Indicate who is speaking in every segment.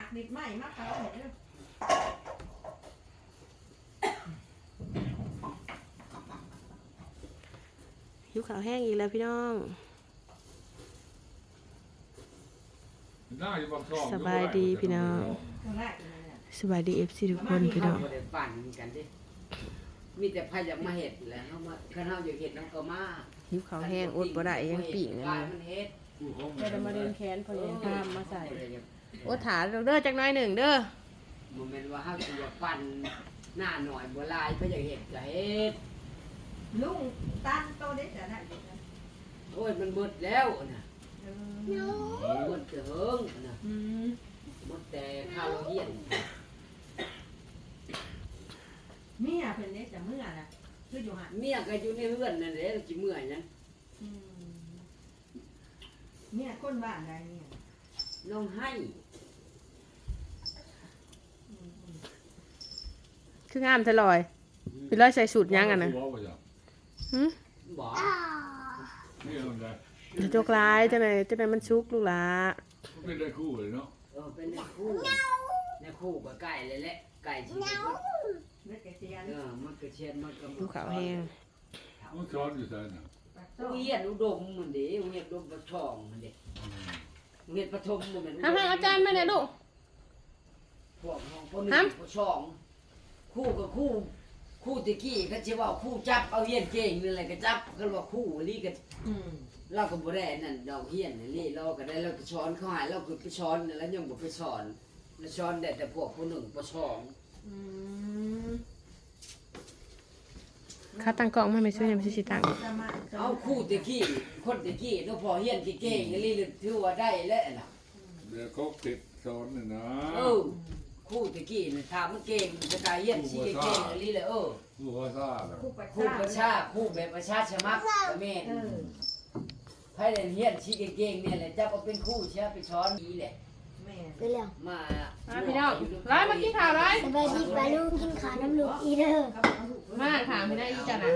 Speaker 1: นิดใหม่มากเขาเห็น
Speaker 2: หิวข้าวแห้งอีกแล้วพี่น้องสบายดีพี่น้องสบายดีFCทุกคนพี่น้อง
Speaker 3: ปั่นกันดิมีแต่พายอยากมาเห็ดแหละเขามาข้าวอยากเห็ดน้ำก็มา
Speaker 2: หิวข้าวแห้งอดบ่ได้ยังปีกนั่น
Speaker 3: มันเห็ด
Speaker 2: จะมาเดินแขนพอยังทำมาใส่โอ้ถาเด้อจักน้อยหนึ่งเด้อ
Speaker 3: โมเมนต์ว่าเขาจะปั่นหน้าหน่อยบัวลายเขาอยากเห็ดจะเห็ด
Speaker 1: ลุงตั้งโตได้แต่ไหน
Speaker 3: โอ้ยมันหมดแล้วนะหมดเถิงนะหมดแต่ข้าวเราเหี้ยน
Speaker 1: เมียเพิ่นเล็กแต่เมื่อน่ะคืออยู่หัน
Speaker 3: เมียก็อยู่ในเรือนนั่นแหละจิเมื่อยนั้น
Speaker 1: เมียคนบ้านใดเนี่ย
Speaker 3: น้องให้
Speaker 2: คืองามทะลอยพี่ร้อยใส่สูตรยังอ่ะนะ
Speaker 3: บอก
Speaker 2: จะจกลายจะไหนมันชุกลูกหลา
Speaker 4: เป็นได้คู่เลยเนาะ
Speaker 3: เป็นในคู่ก็ไก่เลยแหละไก่ชีวิต
Speaker 1: มันกระเทียม
Speaker 3: มันกระเทียมมันกระ
Speaker 2: ดูขาวแห้ง
Speaker 4: มันช้อนอยู่ใช่ไหม
Speaker 3: เฮียนอุดมมันเดี๋ยวเฮียนอุดมประชองมันเดี๋ยวเฮียนปฐมมันเป็น
Speaker 2: ห้ามอาจารย์ไม่ได้ลูก
Speaker 3: พวกห้องพวกนี้ประชองคู่กับคู่ตะกี้ก็จะว่าคู่จับเอาเฮียนเก่งนี่แหละก็จับก็ว่าคู่ลีกันเราก็บ่ได้นั่นดอกเฮียนนี่เราก็ได้เราก็ช้อนเขาหายเราก็ไปช้อนแล้วยังบ่ไปสอนแล้วช้อนได้แต่พวกผู้หนึ่งประชอง
Speaker 2: ข้าตั้งกล้องไม่ช่วยไม่ใช่ชิตัง
Speaker 3: เอาคู่ตะกี้คนตะกี้เราพอเฮียนที่เก่งนี่ถือว่าได้แล้วน่ะ
Speaker 4: เดี๋ยวเขาติดช้อนนี่นะ
Speaker 3: คู่ตะกี้น่ะถามมันเก่งจะกายเฮียนสิเก่งนี่เลย
Speaker 4: คู่ภาษา
Speaker 3: คู่ประชาคู่แบบประชาชมักแม่ไผเรียนเฮียนสิเก่งเนี่ยแหละจับเอาเป็นคู่ใช่ไปช้อนนี้แหละ
Speaker 5: ไปแล้ว
Speaker 3: มา
Speaker 2: พี่น้องร้อยมากินข่าวร้อย
Speaker 5: สบายดีปลาลูกกินขาน้ำลูกอีเด้อ
Speaker 2: มาถามพี่ได้อีจันนะ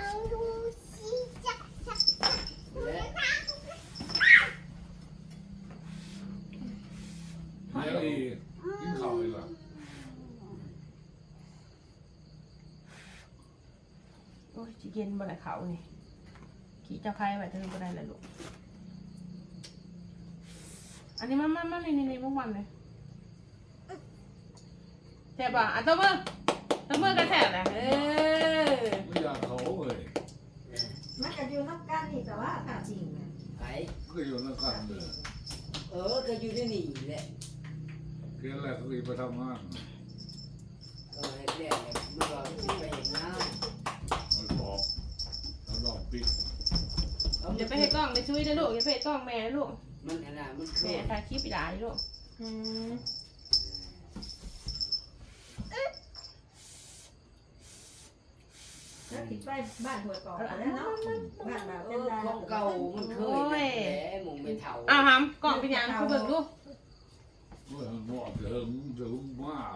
Speaker 4: แล้วอีกินข้าวเลยล่ะ
Speaker 2: โอ้ยจีเย็นบ่ได้เขานี่ขี่เจ้าใครไปเธอบ่ได้เลยลูกอันนี้มันนี่มุกมันเลยแซ่บป่ะอ่ะตัวมือกันแซ่บนะ
Speaker 4: ไม่อยากเขาเลย
Speaker 1: มันก็อยู่น้ำกันนี่แต่ว่าถ้าจริงนะ
Speaker 4: ก็อยู่นั่งกันเลย
Speaker 3: ก็อยู่ในนี่แหละ
Speaker 4: เพียงแรกเขาไปทำงาน
Speaker 3: เห็นแล้วมันก็ไปเห็นน้
Speaker 4: ำมันบอกแล้วลองปิด
Speaker 2: อย่าไปให้กล้องไปช่วยนะลูกอย่าไปให้กล้องแม่นะลูก
Speaker 3: มันขนาดมัน
Speaker 2: แม่ถ่ายคลิปไปได้ลูก
Speaker 1: แล้วติดไปบ้านหัวต่อแล้วเนาะบ้านแบบเป็นลาย
Speaker 3: ของเก่ามันเคยแหมมงเป็นเถา
Speaker 2: หำกล่องเป็นยังเขาเบิกลูก
Speaker 4: มันหมดเดิมมาก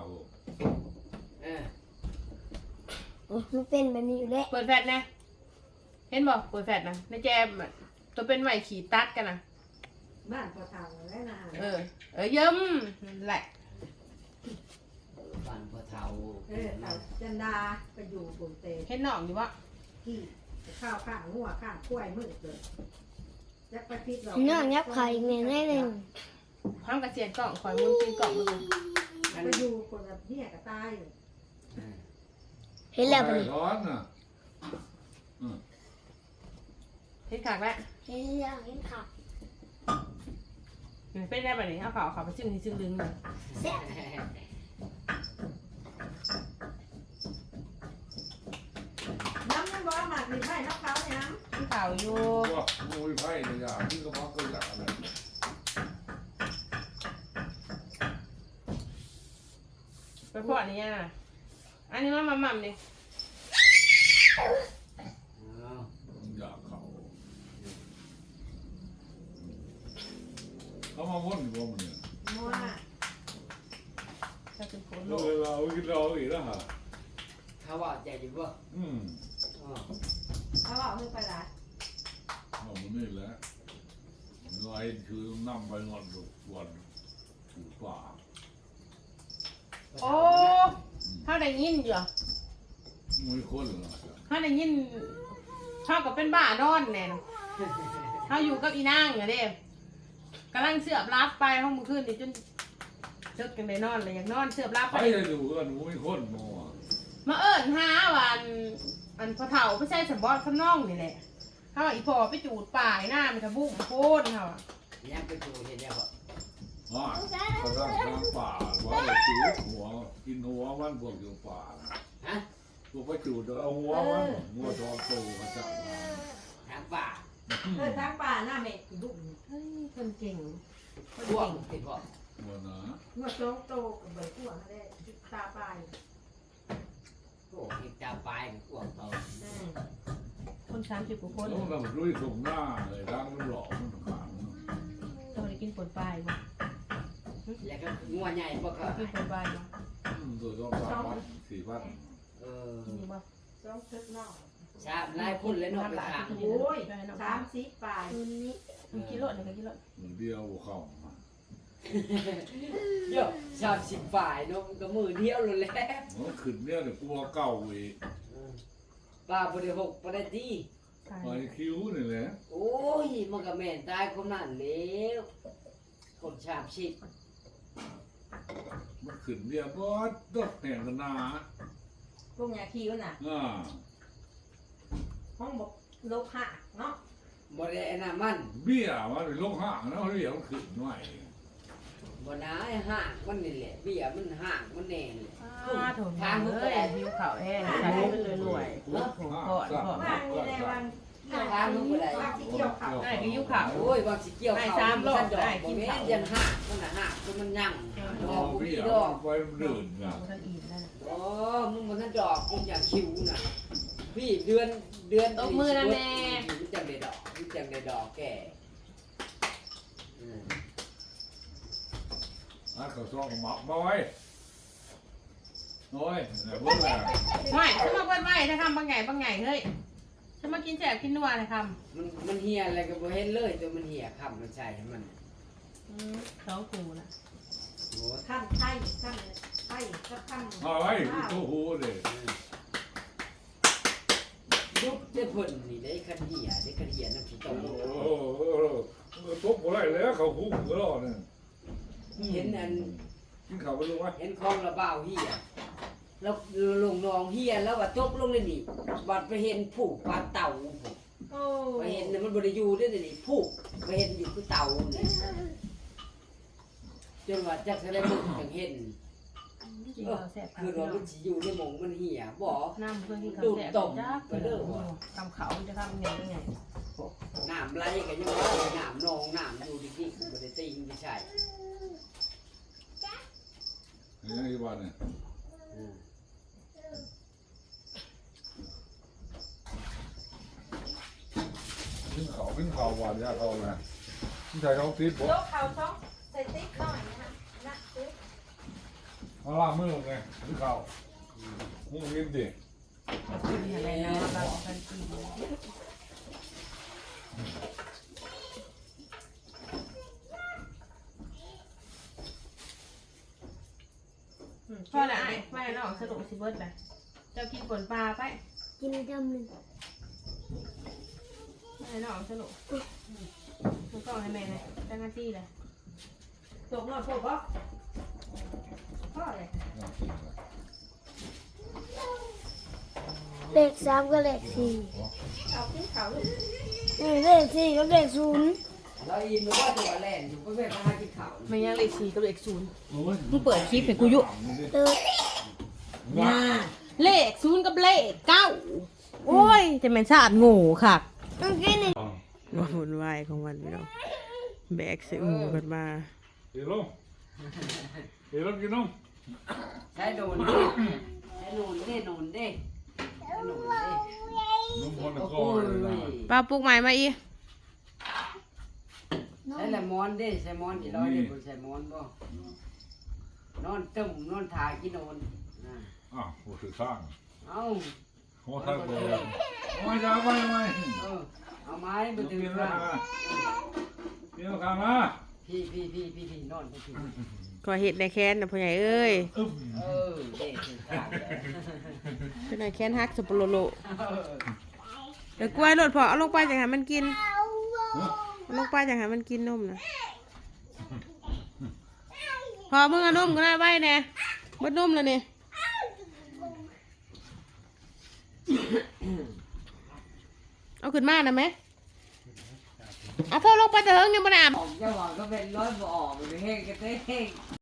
Speaker 5: โอ้มันเป็นแบบนี้อยู่แล้ว
Speaker 2: เปิดแฟลชนะเห็นบอกเปิดแฟลชนะในแจมตัวเป็นไหวขี่ตัดกันนะ
Speaker 1: บ้านพอเท่าแล้วนะ
Speaker 2: เยิ้มแหละ
Speaker 3: บ้านพอเท่า
Speaker 1: จันดาไปอยู่กรุงเทพ
Speaker 2: เห็นหนองอยู่วะ
Speaker 1: ที่ข้าวข้างหัวข้างกล้วยมืดเลยจะไปพิษเรา
Speaker 5: น้องยับไข่เงี้ยได้เลย
Speaker 2: พร้อมกระเจียนกล่องคอยมุนตีกล่องมาเลย
Speaker 1: ไปอยู่คนแบบนี้ก็ตาย
Speaker 5: เห็นแล้วปะ
Speaker 4: นี่ร้อนน่ะ
Speaker 2: เห็นขากแล้ว
Speaker 5: เห็นแล้วเห็นขา
Speaker 2: เป็นได้แบบนี้เอาข่าวไปซึ่งลึงเลย
Speaker 1: น้ำมันบอกหมักหรือไม่น้ำเขาเนี่ยน้ำ
Speaker 2: ที่ข่าวอยู่
Speaker 4: ว่างูไผ่เนี่ยอย่างที่ก็พักก็อยากอะไร
Speaker 2: ไปพอดนี่นะอันนี้มันมั่มดิ
Speaker 4: อยากเขามาว่นอยู่ว่ามันเนี่ย
Speaker 2: จะเป็นคน
Speaker 4: เราอีกแล้วฮะ
Speaker 3: เขาว่าใจดีป่ะ
Speaker 1: เขาบอกไม่ไปละ
Speaker 4: มันนี่แหละลายคือนั่งไปงอนทุกวันถูกป่า
Speaker 2: โอ้ถ้าได้ยินอยู่
Speaker 4: ไม่คนหรอก
Speaker 2: ถ้าได้ยินเท่ากับเป็นบ้านอนแน่นเขาอยู่กับอีนางอะเด้กำลังเสือบรับไปห้องมือคืนนี่จนเลิกกันได้นอนเลยอยากนอนเสือบรับ
Speaker 4: ไป
Speaker 2: ไป
Speaker 4: เลยดูกันไม่คนมัว
Speaker 2: มาเอิญหาวันอันพอเฒ่าไปใช้สมบอสข้างนอกนี่แหละเขาอีพอไปจูดป่ายหน้ามันทะบุ้งโค่นเขาอะ
Speaker 3: ยังไปดูเห็นแล้วบ่
Speaker 4: อ่าเขาตั้งทางป่าว่าจะจูดหัวกินหัวมันพวกอยู่ป่า
Speaker 3: ฮะ
Speaker 4: พวกไปจูดเอาหัวมันหัวทองโตมาจับมา
Speaker 3: ทางป่า
Speaker 1: ทางป่าหน้าเมฆดุ
Speaker 2: เฮ้ยคนเก่งคน
Speaker 3: พวก
Speaker 2: เก่ง
Speaker 3: ติดบ่
Speaker 4: หัวนะ
Speaker 1: เมื่อโตโตกับใบขั้วนั่นแหละตาปลาย
Speaker 3: พวกเห็ดตาปลายกับพวกเขา
Speaker 2: คน30 กว่าคน
Speaker 4: แล้วมันรุ่ยส่งหน้าเลยร่างมันหล่อมันขาง
Speaker 2: เราได้กินผลปลายบ่
Speaker 3: แล้วก็งัวใหญ่พวกเขา
Speaker 2: กินผลปลายบ่
Speaker 4: ตัวต้อง3,000 4,000
Speaker 2: กินบ่
Speaker 1: ต้องทึกนอก
Speaker 3: ชาบหลายคนเลยเนาะไปถาม
Speaker 1: โอ้ย30ปลาย
Speaker 5: คืนนี้
Speaker 2: มันกินรถเนี่ยก็กินรถ
Speaker 4: มันเดียวเข้ามา
Speaker 3: เยอะ30ฝ่ายเนาะก็มือเดียวเลยแหละ
Speaker 4: มันขึ้นเนี่ยเดี๋ยวกลัวเก่าอีก
Speaker 3: ป้าบ่ได้หกบ่ได้ดี
Speaker 2: ใช่
Speaker 4: ไปคิ้วนี่แหละ
Speaker 3: โอ้ยมันก็แม่นตายคนนั้นแล้วคน30
Speaker 4: มันขึ้นเนี่ยบอสดอกแห่งกันนา
Speaker 1: พวกยาคิวน่ะ
Speaker 4: อ่า
Speaker 1: ห้องบอกลบหักเนาะ
Speaker 3: บ่ได้อันนั้นมัน
Speaker 4: เบี้ยมันเป็นโรคห่างนะเขาเรียกมันขึ้นหน่อย
Speaker 3: บ่ได้ห่างมันนี่แหละเบี้ยมันห่างมันแน่นแหละ
Speaker 2: โถทางเลยหิวข่าวแห้งใช้ไปเลยรวยโอ้โหก่อนก่อน
Speaker 1: ว่างนี่แหละวันว่างที่เกี่ยวเขา
Speaker 2: ได้ก็หิวข่าว
Speaker 3: โอ้ยบางสิเกี่ยวเขา
Speaker 2: ได้สามรอบ
Speaker 3: มันดอก
Speaker 2: ได้กิ
Speaker 3: บ่
Speaker 2: น
Speaker 3: แม่
Speaker 2: ข้าว
Speaker 3: นยันห่างมันน่ะห่างคือมันยั่งดอกบ่
Speaker 4: เบี้
Speaker 3: มี
Speaker 4: ย
Speaker 3: ดอก
Speaker 4: ไปเดินนะ
Speaker 2: ท่านอิ่มแล้วนะ
Speaker 3: อ๋อมึงบ่ทันดอกมึงอยากคิวน่ะพี่เดือน
Speaker 2: ตบมือนะแม่
Speaker 3: มันจังได้ดอกมันจังได้ดอกแก่อืม
Speaker 4: อ่ะเขาซ้อมหมักมาไว้โอ้ยไหนเบิ่งแล้ว
Speaker 2: ไม่ฉันมาเบิ้ลไม่ถ้าทำบางไงบางไงเฮ้ยฉันมากินแสบกินนัวเลยค
Speaker 3: มันเหี่ยอะไรก็บ่เห็นเลยตัวมันเหี่ยค่ำมันใช่ให้มัน
Speaker 2: ำ2 กูนะ
Speaker 3: โอ้ย
Speaker 1: ขั้นไทยขั้นไทยก็ขั้น
Speaker 4: เอาไว้ตู้หูเลย
Speaker 3: ยุบได้ผลนี่ได้คันเหี่ยได้คันเหี่ยน้ำขี้ต
Speaker 4: โอ้
Speaker 3: ม
Speaker 4: โหตบบ่ได้แล้วเขาหุ้มก็รอเนี่ย
Speaker 3: เห็นอัน
Speaker 4: กินข้าวไปลูกวะ
Speaker 3: เห็นคลองระบ่าวเหี่ยแล้วลงนองเหี่ยแล้วว่าตกลงเลยนี่บัดไปเห็นผูกปลาเต่าผูก
Speaker 1: โอ้
Speaker 3: ไปเห็นน่ะมันบ่ได้อยู่เด้อนี่ผูกไปเห็นอยู่คือเต่านี่จนว่าจักแสดงมึงจังเห็น
Speaker 2: กินข้าวแสบ
Speaker 3: คือว่ามันสิอยู่ในหมองมันเหี่ยบ่
Speaker 2: น้ำเพื่อนกินข้าวแสบจ้าไปเด้อทำเขาจะทำไงไง
Speaker 3: น้ำไหลก็ยังว่าน้ำนองน้ำอยู่ดิๆบ่ได้ติงไม่ใช่
Speaker 4: อย่างนี้บ้านเนี่ย
Speaker 3: อืม
Speaker 4: กินข้าวหวานยาเขานะที่ใส่เขาติดบ่
Speaker 1: ยกเขาช่องใส่ติ๊กหน่อยนะคะนะติ๊ก
Speaker 4: เอาล่างมือไงกินข้าวมึงกินดิ
Speaker 2: กินอะไรนะบางคนกินพ่อละไอ้ไม่น้องสรุปสิเบิร์ดเลยเจ้ากินผลปลาไป
Speaker 5: กินจำหนึ่ง
Speaker 2: ไม่น้องสรุปมันก็ให้แม่เลยตั้งหน้าที่เลย
Speaker 1: ตกหน่อยพวกบอกพ่อเลย
Speaker 5: เลข3ก็เลข4
Speaker 1: เอาขึ้นเขาลูก
Speaker 5: นี่เลข4ก็เลข0
Speaker 3: เราอินว่าตัวแล่นอยู่เพื่อนมาหากินข้าว
Speaker 2: ไม่ยังเลข4กับเลข0
Speaker 4: มึงเปิดคลิปให้กูยุ
Speaker 2: น่าเลข0กับเลข9โอ้ยจะเป็นชาติโง่ค่ะ
Speaker 5: เมื่อกี้นี่
Speaker 2: ว่าวุ่นวายของมันเราแบกเสือหมูกันมา
Speaker 4: เดี๋ยวลงเดี๋ยวลงกินนม
Speaker 3: ใช้โดนดิใช้โดนเด้โดนเด้ใช้โดนเด้
Speaker 4: นมคนละ
Speaker 3: โอ้
Speaker 4: ก้อนเลยนะ
Speaker 3: ย
Speaker 2: ป้าปลูกใหม่มาอี
Speaker 3: ใช้ละมอนเด้ใช้มอนกี่ร้อยเด้บ่ใช้มอนบ่นอนตึมนอนถ่ายกินโดนอ่า
Speaker 4: อ้าวโอ้ถือข้าง
Speaker 3: เอา
Speaker 4: หัวท้ายเลยไม่จ้าไปทำไม
Speaker 3: เอาไม้
Speaker 4: กิ
Speaker 3: มาน ถึง
Speaker 4: รา
Speaker 3: ข้าง
Speaker 4: คากินราคามา
Speaker 3: พี่นอนพี่
Speaker 2: ขอเห็ดในแค้นนะพ่อใหญ่เอ้ย
Speaker 3: เออเด็กถึงขาดเลย
Speaker 2: เป็นในแค้นฮักสับปะโลโลเดี๋ยวกล้วยโลดพอเอาลงไปจังหามันกินเอาลงไปจังหามันกินนมนะพอมึงเอานมก็ได้ไว้แน่บดนมแล้วเนี่ยเอาขึ้นมานะไหมเอาเท่าลงไปแต่เฮิงยังไม่ได้อาบ
Speaker 3: ออกจะบอกก็เป็นร้อยบ่ออกเลยเฮ้งก็เต้